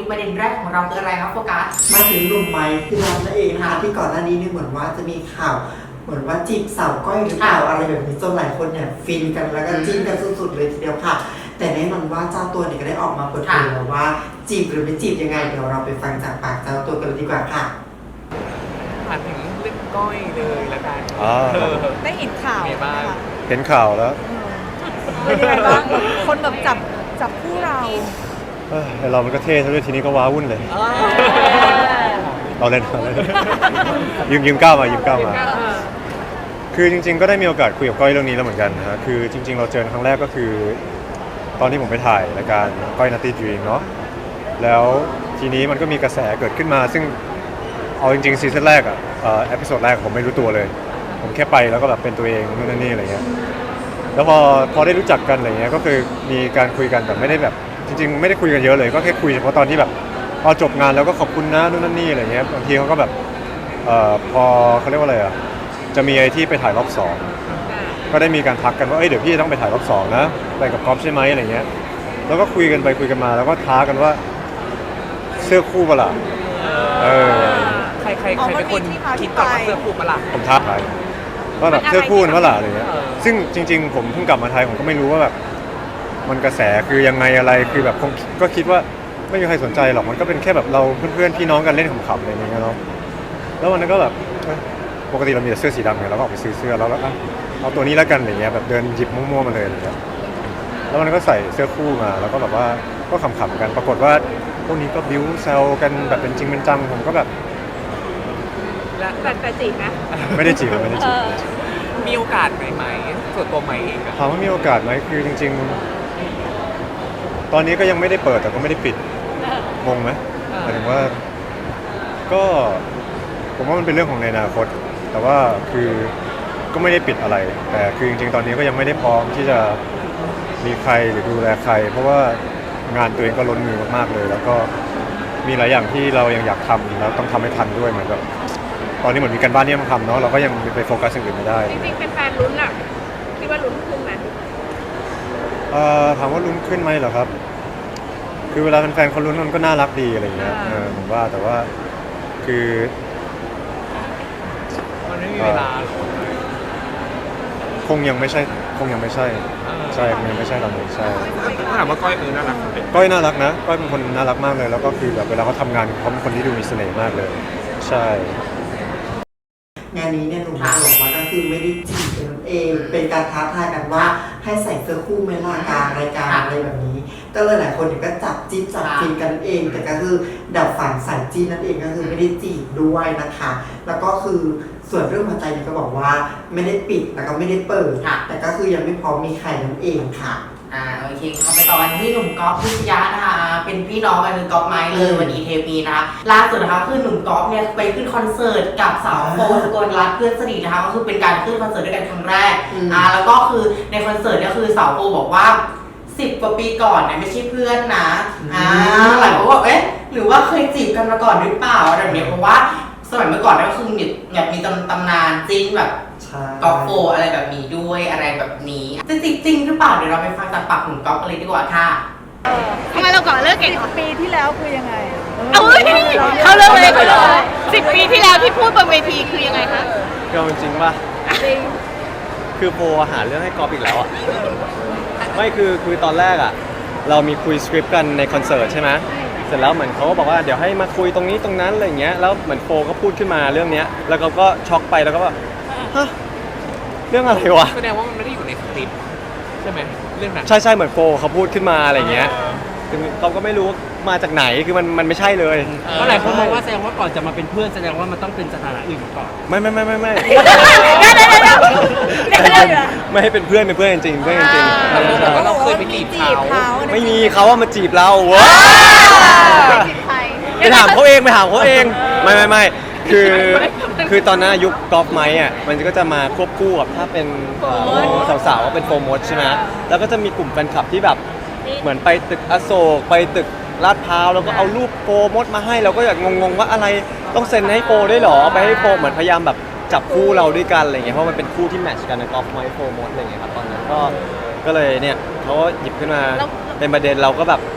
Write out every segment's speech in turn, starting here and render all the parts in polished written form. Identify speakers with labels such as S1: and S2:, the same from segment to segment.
S1: ประเด็นแรกของเราคืออะไรครับโฟกัส
S2: มาถึงหนุ่มไม้พี่น้องนั่นเองนะคะที่ก่อนหน้านี้เนี่ยเหมือนว่าจะมีข่าวเหมือนว่าจีบสาวก้อยหรือเปล่าอะไรแบบนี้จนหลายคนเนี่ยฟินกันแล้วก็จิ้นกันสุดๆเลยทีเดียวค่ะ แต่แน่นอนว่าเจ้าตัวเนี่ยก็ได้ออกมาเปิดเผยแล้วว่าจีบหรือไม่จีบยังไงเดี๋ยวเราไปฟังจากปากเจ้าตัวกันเลยดีกว่าค่ะ
S3: ถามถึงเรื่องก้อยเลยละกัน
S4: ได้เห็นข่าว
S3: ไงบ้าง
S5: เห็นข่าวแล้ว
S4: เป็นยังไงบ้างคนแบบจับคู่เรา
S5: แต่เรามันก็เท่ซะด้วยทีนี้ก็ว้าวุ่นเลยเราเล่นยืมก้าวมาคือจริงๆก็ได้มีโอกาสคุยกับก้อยเรื่องนี้แล้วเหมือนกันนะฮะคือจริงๆเราเจอครั้งแรกก็คือตอนที่ผมไปถ่ายรายการก้อยนัตตี้ดรีมเนาะแล้วทีนี้มันก็มีกระแสเกิดขึ้นมาซึ่งเอาจริงๆซีซั่นแรกอะเอพิโซดแรกผมไม่รู้ตัวเลยผมแค่ไปแล้วก็แบบเป็นตัวเองนู่นนั่นนี่อะไรเงี้ยแล้วพอได้รู้จักกันอะไรเงี้ยก็คือมีการคุยกันแต่ไม่ได้แบบจริงๆไม่ได้คุยกันเยอะเลยก็แค่คุยเฉพาะตอนที่แบบพอจบงานแล้วก็ขอบคุณนะนู่นนั่นนี่อะไรเงี้ยบางทีเขาก็แบบพอเขาเรียกว่าอะไรอะจะมีไอ้ที่ไปถ่ายรอบ2ก็ได้มีการทักกันว่าเดี๋ยวพี่ต้องไปถ่ายรอบ2นะไปกับก๊อฟใช่ไหมอะไรเงี้ยแล้วก็คุยกันไปคุยกันมาแล้วก็ท้ากันว่าเสื้อคู่เปล่า
S3: ใครเป็นคนคิดก่อนว่าเสื้อคู่ปะล่ะ
S5: ผมท้าทายว่าแบบเสื้อคู่เปล่าอะไรเงี้ยซึ่งจริงๆผมเพิ่งกลับมาไทยผมก็ไม่รู้ว่าแบบมันกระแสคือยังไงอะไรคือแบบก็คิดว่าไม่มีใครสนใจหรอกมันก็เป็นแค่แบบเราเพื่อนๆพี่น้องกันเล่นขำๆอะไรอย่างเงี้ยเนาะแล้ววันนั้นก็แบบปกติเรามีแต่เสื้อสีดำไงเราก็ออกไปซื้อเสื้อแล้วเอาตัวนี้แล้วกันอะไรเงี้ยแบบเดินหยิบมั่วๆมาเลยอะไรเงี้ยแล้ววันนั้นก็ใส่เสื้อคู่มาแล้วก็แบบว่าก็ขำๆกันปรากฏว่าพวกนี้ก็บิ้วแซวกันแบบเป็นจริงเป็นจังผมก็แบบ
S4: แต่จีบนะ
S5: ไม่ได้จีบ
S3: มีโอกาสไหมส่วนตัวใหม่เอง
S5: ถามว่ามีโอกาสไหมคือจริงๆตอนนี้ก็ยังไม่ได้เปิดแต่ก็ไม่ได้ปิดงงไหมหมายถึงว่าก็ผมว่ามันเป็นเรื่องของในอนาคตแต่ว่าคือก็ไม่ได้ปิดอะไรแต่คือจริงๆตอนนี้ก็ยังไม่ได้พร้อมที่จะมีใครหรือดูแลใครเพราะว่างานตัวเองก็ล้นมือมากๆเลยแล้วก็มีหลายอย่างที่เรายังอยากทำแล้วต้องทำให้ทันด้วยเหมือนกับตอนนี้เหมือนมีการบ้านที่ต้องทำเนาะเราก็ยังไปโฟกัสสิ่งอื่นไม่ได้
S4: จริงๆเป็นแฟนลุ้นอะคิดว่าลุ้นขึ้นไหม
S5: ถามว่าลุ้นขึ้นไหมเหรอครับคือเวลาแฟนๆเขาลุ้นมันก็น่ารักดีอะไรอย่างเงี้ยผมว่าแต่ว่าคือ
S3: มันไม่มีเวลา
S5: คงยังไม่ใช่ใช่คงยังไม่ใช่ตอนนี้ใช่
S3: ถ้าถามว่าก้อยน่ารัก
S5: ก้อยน่ารักนะก้อยเป็นคนน่ารักมากเลยแล้วก็คือแบบเวลาเขาทำงานเขาเป็นคนที่ดูมีเสน่ห์มากเลยใช่
S2: งานนี้เนี่ยหนุ่มบอกว่าก็คือไม่ได้จีบกันเองเป็นการท้าทายกันว่าให้ใส่เสื้อคู่ไม่ล่ากลางรายการอะไรแบบนี้ก็เลยหลายคนเนี่ยก็จับจิ้นจับฟินกันเองแต่ก็คือดับฝันสายจีนนั่นเองก็คือไม่ได้จีบด้วยนะคะแล้วก็คือส่วนเรื่องหัวใจเนี่ยก็บอกว่าไม่ได้ปิดแล้วก็ไม่ได้เปิดแต่ก็คือยังไม่พร้อมมีใครนั่นเองค่ะ
S1: โอเคเข้าไปต่อกันที่หนุ่มก๊อฟพิชยะนะคะเป็นพี่น้องกันคือก๊อฟไม้เลยวันนี้เทปีนะคะล่าสุดนะคะคือหนุ่มก๊อฟเนี่ยไปขึ้นคอนเสิร์ตกับสาวโฟสกลรัตน์เพื่อนสนิทนะคะก็คือเป็นการขึ้นคอนเสิร์ตด้วยกันครั้งแรกแล้วก็คือในคอนเสิร์ตเนี่ยคือสาวโฟบอกว่า10 กว่าปีก่อนเนี่ยไม่ใช่เพื่อนนะหลายคนบอกหรือว่าเคยจีบกันมาก่อนหรือเปล่าอะไรแบบนี้เพราะว่าสมัยเมื่อก่อนเนี่ยก็คือแบบมีตำนานจีนแบบกอล์ฟโฟอะไรแบบนี้ด้วยอะไรแบบนี้จริงหรือเปล่าเดี๋ยวเราไปฟังจากปากหนุ่มก๊อฟกันเลยดีกว่าค่ะ
S4: ทำไมเราก่อนเลิกกัน10 ปีที่แล้วคือยังไง
S6: เขาเลิกเลย10 ปีที่แล้วที่พูดบนเวทีคือยังไงคะ
S5: ก็จริงป่ะ
S4: จริง
S5: คือโฟหาเรื่องให้กอล์ฟอีกแล้วอ่ะไม่คือตอนแรกอ่ะเรามีคุยสคริปต์กันในคอนเสิร์ตใช่ไหมเสร็จแล้วเหมือนเขาก็บอกว่าเดี๋ยวให้มาคุยตรงนี้ตรงนั้นอะไรอย่างเงี้ยแล้วเหมือนโฟก็พูดขึ้นมาเรื่องเนี้ยแล้วเขาก็ช็อกไปแล้วก็ว่าฮะเรื่องอะไรวะ
S3: แสดงว่ามันไม่ได้อยู่ในสคริปต์ใช่ไหมเรื่องนั้น
S5: ใช่เหมือนโฟเขาพูดขึ้นมาอะไรเงี้ยคือเขาก็ไม่รู้มาจากไหนคือมันไม่ใช่เลย
S7: ก็หลายคนมองว่าแสดงว่าก่อนจะมาเป็นเพื่อนแสดงว่ามันต้องเป็นสถานะอื่นก่อน
S5: ไม่ไม่ให้เป็นเพื่อนจริงเพื่อนจริง
S3: เราเคยไปจีบเขา
S5: ไม่มีเขาว่ามาจีบเราว้าไปถามเขาเองไม่คือตอนนั้นยุคกอล์ฟไม้อ่ะมันก็จะมาควบคู่กับถ้าเป็นสาวๆก็เป็นโฟร์มดใช่ไหมแล้วก็จะมีกลุ่มแฟนคลับที่แบบเหมือนไปตึกอโศกไปตึกลาดพร้าวแล้วก็เอารูปโฟร์มดมาให้เราก็อยากงงว่าอะไรต้องเซ็นให้โฟร์ได้หรอไปให้โฟร์เหมือนพยายามแบบจับคู่เราด้วยกันอะไรเงี้ยเพราะมันเป็นคู่ที่แมทช์กันในกอล์ฟไม้โฟร์มดอะไรเงี้ยครับตอนนั้นก็เลยเนี่ยเขาหยิบขึ้นมาเป็นประเด็นเราก็แบบ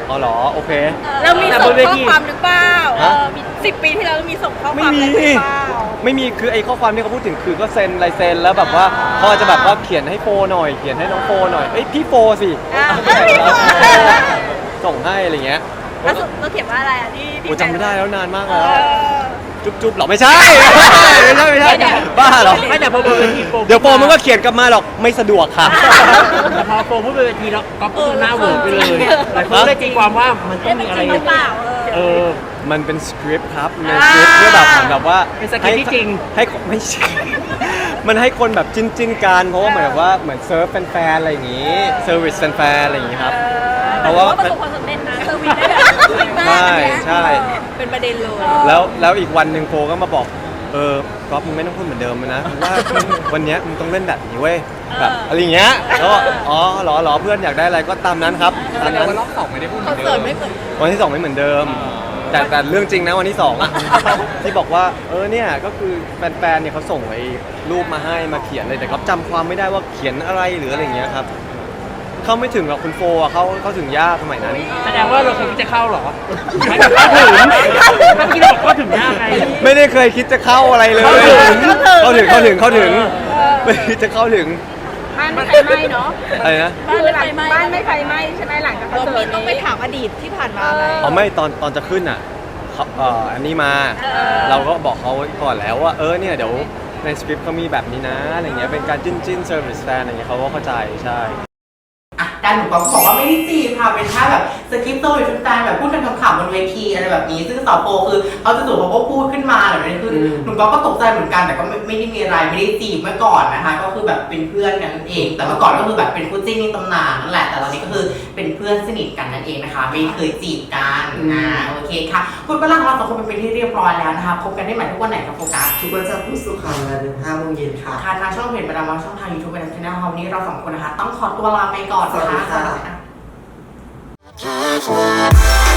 S8: อ๋อเหรอโอเค
S6: เรามีส่งข้อความหรือเปล่า
S8: ฮะ
S6: มี10 ปีที่แล้วเรามีส่งข้อค
S8: ไม่
S6: วาม
S8: มี
S6: อะไรหรือเปล่า
S8: ไม่มีคือไอ้ข้อความที่เขาพูดถึงคือก็เซ็นลายเซ็นแล้วแบบว่าเขาอาจจะแบบว่าเขียนให้โฟหน่อยเขียนให้น้องโฟหน่อยเอ้ยพี่โฟสิ
S6: พี่โฟ
S8: ส่งให้อะไรเงี้ย
S6: แล้วเราเขียนว่าอะไรอ่ะที่
S8: โอ้จำไม่ได้แล้วนานมาก
S6: เอ
S8: แล้ว
S6: อ
S8: จุ๊บๆหรอไม่ใช่ ไม่ใช่บ้าเหรอ
S7: ไม่แต่พอพูดเวทีโฟ
S8: เดี๋ยวโฟมันก็เขียนกลับมาหรอกไม่สะดวกค่ะ
S7: แต่พอโฟพูดบนเวทีแล้วก็พูดหน้าเวิร์กไปเลยหลายคนเลยตีความว่ามันต้องมีอะไร
S6: จริงหรือเปล่า
S7: เออ
S8: มันเป็นสคริปต์ครับในสคริปต์เพื่อแบบเหมือนแบบว่า
S7: เป็นสคริปต์ที่จริง
S8: ให้ไม่ใช่ มันให้คนแบบจิ้นกันเพราะว่าเหมือนแบบว่าเหมือนเซิร์ฟแฟนๆอะไรอย่างงี้เซอร์วิสแฟนๆอะไรอย่างงี้ครับเพราะว่า
S6: ประสบความสำเร็จนะเซอร์วิสได้แบบดีมาก
S8: ใช่
S6: อันเนี้ย
S8: ใช่
S6: เป็นประเด็นเลย
S8: แล้วอีกวันหนึ่งโฟก็มาบอกก๊อฟมึงไม่ต้องพูดเหมือนเดิมนะเพราะว่าวันเนี้ยมึงต้องเล่นแบบนี้เว้ยแบบอะไรอย่างเงี้ยแล้วก็อ๋อเหรอเพื่อนอยากได้อะไรก็ตามนั้นครับตามนั้น
S3: วันรอบสองไม่ได้พูดเห
S6: ค
S3: มื
S6: อ
S3: อน น
S6: เสิ
S3: เดิ
S6: ร์ต
S3: ม
S6: ไม่เหมือน
S8: วันที่ 2 ไม่เหมือนเดิม แต่เรื่องจริงนะวันที่2อ่ะ ที่บอกว่าเนี่ยก็คือแฟนๆเนี่ยเขาส่งไอ้รูปมาให้มาเขียนเลยแต่เขาจำความไม่ได้ว่าเขียนอะไรหรืออะไรอย่างเงี้ยครับเข้าไม่ถึงหรอกคุณโฟอ่ะเขาถึงยากสมัยนั้น
S7: แสดงว่าเราเคยคิดจะเข้าเหรอไม่แบบเข้าถึงเมื่อกี้เราบอกเข้าถึงยากไง
S8: ไม่ได้เคยคิดจะเข้าอะไรเลย เข้าถึงไม่ได้คิดจะเข้าถึง
S6: บ้านไม่ไฟไหม้เนาะ
S8: อะไรนะ
S6: บ้านไม่ไฟไหม้บ้านไม่ไฟไหม้ใช่ไหมหลังจากคอนเสิร์ตต้องไปถามอดีตที่ผ่านมาไหม
S8: อ๋อไม่ตอนจะขึ้นอ่ะเขาอันนี้มา เราก็บอกเขาไว้ก่อนแล้วว่าเนี่ยเดี๋ยวในสคริปต์เขามีแบบนี้นะอะไรเงี้ยเป็นการจิ้นเซอร์วิสแฟนอะไรเงี้ยเขาก็เข้าใจใช่
S1: อ่ะด้านหนุ่มก๊อฟก็บอกว่าไม่ได้จีบค่ะเป็นแค่แบบสคริปต์โต้ชุดตาแบบพูดกันขำๆบนเวทีอะไรแบบนี้ซึ่งสาวโฟคือเขาจู่ๆเขาก็พูดขึ้นมาแบบนี้คือหนุ่มก๊อฟก็ตกใจเหมือนกันแต่ก็ไม่ได้มีอะไรไม่ได้จีบเมื่อก่อนนะคะก็คือแบบเป็นเพื่อนกันนั่นเอง แต่เมื่อก่อนก็คือแบบเป็นคู่จิ้นในตำนานนั่นแหละแต่ตอนนี้ก็คือเป็นเพื่อนสนิทกันนั่นเองนะคะไม่เคยจีบกันโอเคค่ะคุณเวลาของเราสองคนเป็นที่เรียบร้อยแล้วนะคะพบกันได้ใหม่ทุกวันไหนครับโฟกัส
S2: ทุกวันจันทร์พุธศุกร์ค่ะเวลา5 โมงเย็นค่ะ
S1: ค่ะทางช่องเพจประดามช่องทาง YouTube เป็นช่องวันนี้เราสองคนนะคะต้องขอตัวลาไปก่อน
S2: สวัสดี
S1: นะคะ
S2: ค่ะ